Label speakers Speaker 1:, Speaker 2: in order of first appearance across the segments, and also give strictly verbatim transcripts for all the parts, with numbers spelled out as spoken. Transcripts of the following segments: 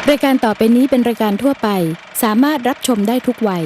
Speaker 1: รายการต่อไปนี้เป็นรายการทั่วไปสามารถรับชมได้ทุกวัย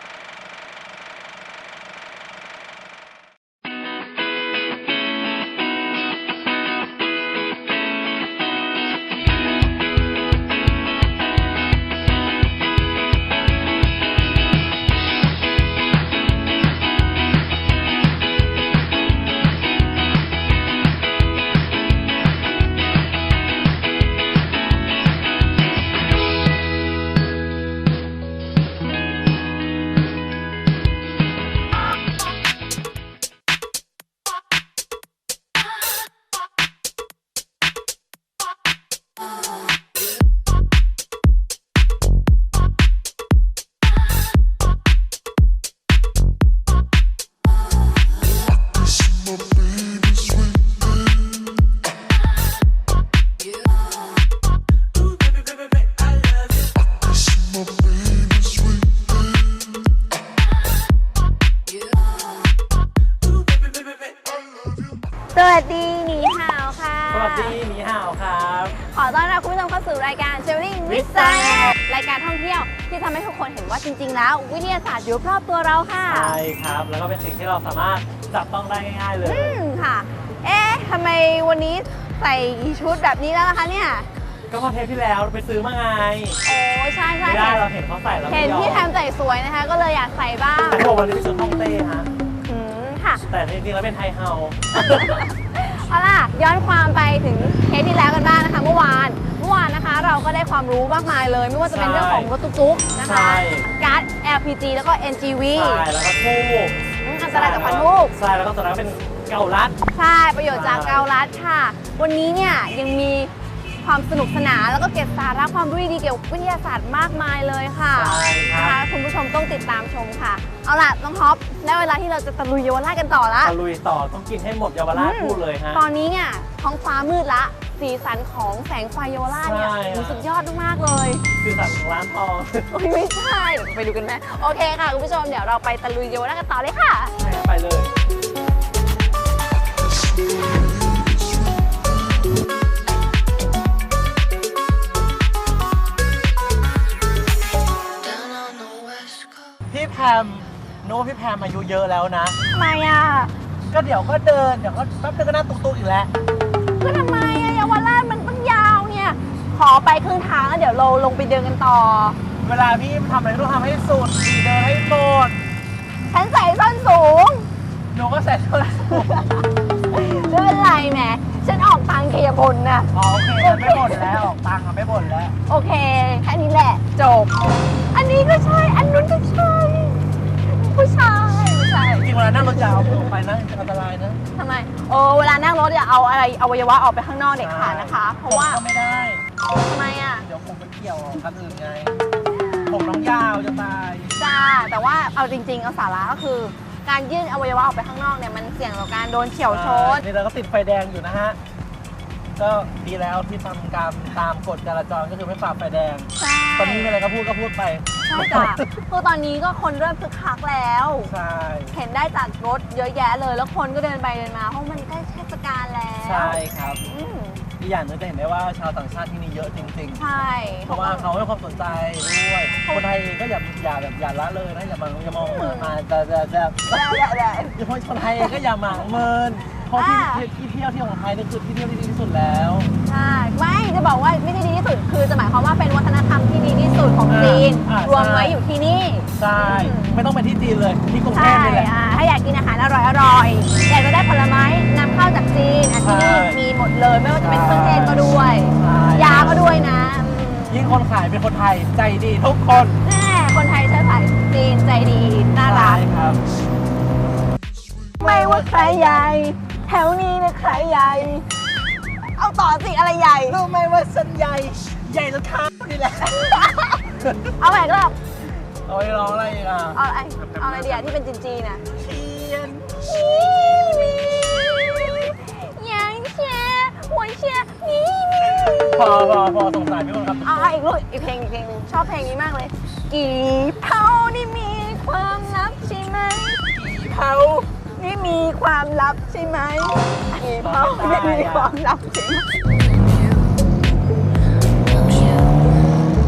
Speaker 2: สวัสดีหนีห่าวค่ะ
Speaker 3: สวัสดีหนีห่าวครับ
Speaker 2: ขอต้อนรับคุณผู้ชมเข้าสู่รายการ Traveling with Science รายการท่องเที่ยวที่ทำให้ทุกคนเห็นว่าจริงๆแล้ววิทยาศาสตร์อยู่รอบตัวเราค่ะ
Speaker 3: ใช่ครับแล้วก็เป็นสิ่งที่เราสามารถจับต้องได้ง่ายๆเลย
Speaker 2: อืมค่ะ เอ๊ะทำไมวันนี้ใส่ชุดแบบนี้แล้วล่ะคะเนี่ย
Speaker 3: ก็พอเทปที่แล้วไปซื้อมาไง
Speaker 2: โอ้ใช่ใช่
Speaker 3: ไม่ได้เราเห็นเขาใส่แล้ว
Speaker 2: เห็นพี่แทมใส่สวยนะคะ ก็เลยอยากใส่บ้าง
Speaker 3: แต่บอกวันนี้เป็นชุดฮ่องเต้ฮะ
Speaker 2: อืมค่ะ
Speaker 3: แต่จริงๆแล้วเป็นไทเฮา
Speaker 2: เอาล่ะย้อนความไปถึงเทปที่แล้วกันบ้างนะคะเมื่อวานเมื่อวานนะคะ เราก็ได้ความรู้มากมายเลย ไม่ว่าจะเป็นเรื่องของรถตุ๊กๆนะคะการ์ด แอล พี จี แล้วก็ เอ็น จี วี
Speaker 3: ใช่แล้วก็ทูบ
Speaker 2: อันตรายจากควันทูบ
Speaker 3: ใช่แล้วก็ตัวนั้นเป็นเกาลัด
Speaker 2: ใช่ประโยชน์จากเกาลัดค่ะ วันนี้เนี่ยยังมีความสนุกสนานแล้วก็เก็บสาระความรู้ดีๆเกี่ยวกับวิทยาศาสตร์มากมายเลยค่ะ
Speaker 3: ใช่ค
Speaker 2: นะ
Speaker 3: รั
Speaker 2: คะ
Speaker 3: บ
Speaker 2: คุณผู้ชมต้องติดตามชมค่ะ เอาล่ะน้องท็อปได้เวลาที่เราจะตะลุยเยาวราชกันต่อละ
Speaker 3: ตะลุยต่อต้องกินให้หมดเยาวราชพูดเลยฮะ
Speaker 2: ตอนนี้เนี่ยท้องฟ้ามืดละสีสันของแสงไฟเยาวราชเนี่ย
Speaker 3: ใช่
Speaker 2: โอ้โหสุดยอดมากๆเลย
Speaker 3: คือสั่งร้านทอง
Speaker 2: โอ้ยไม่ใช่เดี๋ยวไปดูกันไหมโอเคค่ะคุณผู้ชมเดี๋ยวเราไปตะลุยเยาวราชกันต่อเลยค่ะ
Speaker 3: ไปเลย พี่แพมโน้พี่แพมอายุเยอะแล้วนะ
Speaker 2: ทำไมอ่ะ
Speaker 3: ก็เดี๋ยวก็เดิน เดี๋ยวก็แป๊บนึงก็นั่งตุ๊กๆอีกแล้ว
Speaker 2: ก็ทำไมอะเยาวราชมันตั้งยาวเนี่ย ขอไปครึ่งทางแล้วเดี๋ยวเราลงไปเดินกันต่อ
Speaker 3: เวลาพี่ทำอะไรต้องทำให้สุดเดินให้หมด
Speaker 2: ฉันใส่ส้นสูง
Speaker 3: หนูก็ใส่ส้นสูง
Speaker 2: ไม่เป็นไรแหมฉันออกตังค์เกียร์บนนะ
Speaker 3: อ๋อโอเคมันไม่บ่นแล้วออกตังค์อะไม่บ่นแล้ว
Speaker 2: โอเค แค่นี้แหละ จบ อันนี้ก็ใช่ อันนู้นก็ใช่ ผู้ชายผู้ชาย
Speaker 3: จริงๆเวลานั่งรถยาวเอามือออกไปนะอันตรายนะ
Speaker 2: ทำไมโอ้เวลานั่งรถอย่าเอาอะไรอวัยวะออกไปข้างนอกเด็ดขาดนะคะ เพราะว่า
Speaker 3: ผมก็ไม่ได้
Speaker 2: ทำไมอ่ะ
Speaker 3: เดี๋ยวผมไปเกี่ยวคันอื่นไง ผมน้องยาวจะตาย
Speaker 2: จ้า แต่ว่าเอาจริงๆ เอาสาระก็คือ การยื่นอวัยวะออกไปข้างนอกเนี่ยมันเสี่ยงต่อการโดนเฉี่ยวชน
Speaker 3: นี่เราก็ติดไฟแดงอยู่นะฮะ ก็ดีแล้วที่ทำการตามกฎจราจรก็คือไม่ฝ่าไฟแดง
Speaker 2: ใช่
Speaker 3: ตอนนี้มีอะไรก็พูดก็พูดไป
Speaker 2: ใช่จ้ะคือตอนนี้ก็คนเริ่มคึกคักแล้ว
Speaker 3: ใช่
Speaker 2: เห็นได้จากรถเยอะแยะเลย แล้วคนก็เดินไปเดินมาเพราะมันใกล้เทศกาลแล้ว
Speaker 3: ใช่ครับ
Speaker 2: อืม
Speaker 3: อีกอย่างหนึงจะเห็นได้ว่าชาวต่างชาติที่นี่เยอะจริงๆ
Speaker 2: ใช่
Speaker 3: เพราะว่าเขาให้ความสนใจด้วย คนไทยเองก็อย่าอย่าแบบอย่าละเลยนะอย่ามาอย่ามองเมินมาแต่แต่แต่
Speaker 2: แล้วแล้วแล้ว
Speaker 3: อย่าพคนไทยเองก็อย่าหมางเมินเพราะที่ที่เที่ยวที่ของไทยนี่คือที่เที่ยวที่ดีที่สุดแล้ว
Speaker 2: ใช่ไม่จะบอกว่าไม่ได้ดีที่สุดคือจะหมายความว่าเป็นวัฒนธรรมที่ดีที่สุดของจีน
Speaker 3: อ่าร
Speaker 2: วม
Speaker 3: ใช่
Speaker 2: ไว้อยู่ที่นี่
Speaker 3: ใช่ไม่ต้องไปที่จีนเลยที่กรุงเท
Speaker 2: ใช่
Speaker 3: พนี่แหละ
Speaker 2: อ่าถ้าอยากกินอาหารอร่อยอร่อยอยากจะได้ผลไม้นำเข้าจากจีนอันที่นี่
Speaker 3: ใช่
Speaker 2: มีหมดเลยไม่ว่าจะเป็นเครื่องเทศก็ด้วย
Speaker 3: ใช่
Speaker 2: ยาก็ด้วยนะอืม
Speaker 3: ยิ่งคนขายเป็นคนไทยใจดีทุกคน
Speaker 2: แน่คนไทยเชื้อสายจีนใจดีน่ารัก
Speaker 3: ใช่ครับ
Speaker 2: ไม่ว่าใครใหญ่แถวนี้นะใครใหญ่ เอาต่อสิอะไรใหญ่
Speaker 3: รู้ไหมว่าสันใหญ่ใหญ่จนข้ามนี่แหละ
Speaker 2: เอาใหม่ก็
Speaker 3: เอาไปร้องอะไรอีกอ่ะ
Speaker 2: เอาอะไรเอาอะไรเดียวที่เป็นจีนๆน่ะ
Speaker 3: เทียน
Speaker 2: ยังเชียร์หัวเชียร์นี่
Speaker 3: พอพอพอสงสารพี่คนครับ
Speaker 2: เอาอีกลูกอีกเพลงอีกเพลงหนึงชอบเพลงนี้มากเลย กี่เผานี่มีความลับใช่ไหม
Speaker 3: กี่เผา
Speaker 2: นี่มีความลับใช่ไหมกี่เผานี่มีความลับใช่ไหม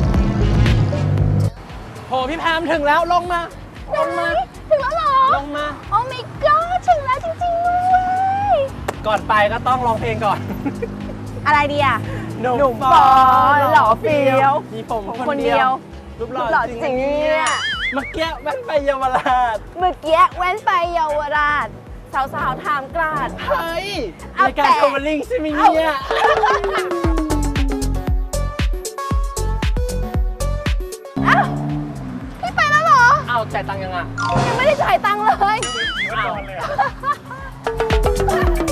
Speaker 3: ามถึงแล้วลงมาลงมา
Speaker 2: ถึงแล้วเหรอ
Speaker 3: ลงมา
Speaker 2: โอ้ my god ถึงแล้วจริงๆด้วย
Speaker 3: ก่อนไปก็ต้องร้องเพลงก่อน
Speaker 2: อะไรดีอ่ะ
Speaker 3: หนุ่ม
Speaker 2: หนุ่มปอหล่อเฟี้ยว
Speaker 3: มีผม
Speaker 2: ผม
Speaker 3: ค
Speaker 2: คน น
Speaker 3: เดี
Speaker 2: เดี
Speaker 3: ย
Speaker 2: ยว ว
Speaker 3: รูปหล่
Speaker 2: รู
Speaker 3: อ
Speaker 2: ปหล่อ
Speaker 3: จริง
Speaker 2: จริงเนี่ย
Speaker 3: เมื่อกี้แม่งไปเยาวราช
Speaker 2: เมื่อกี้แว้นไปเยาวราช สาวๆถามกราด
Speaker 3: เฮ้ย
Speaker 2: เอา
Speaker 3: รายการ
Speaker 2: แต่
Speaker 3: โทรลิงใช่ไหมเนี่ย
Speaker 2: อ้าวพี่ไปแล้วเหรอ
Speaker 3: เอาจ่ายตังค์ยังอ่ะ
Speaker 2: ยังไม่ได้จ่ายตังค์เลย
Speaker 3: อ้าว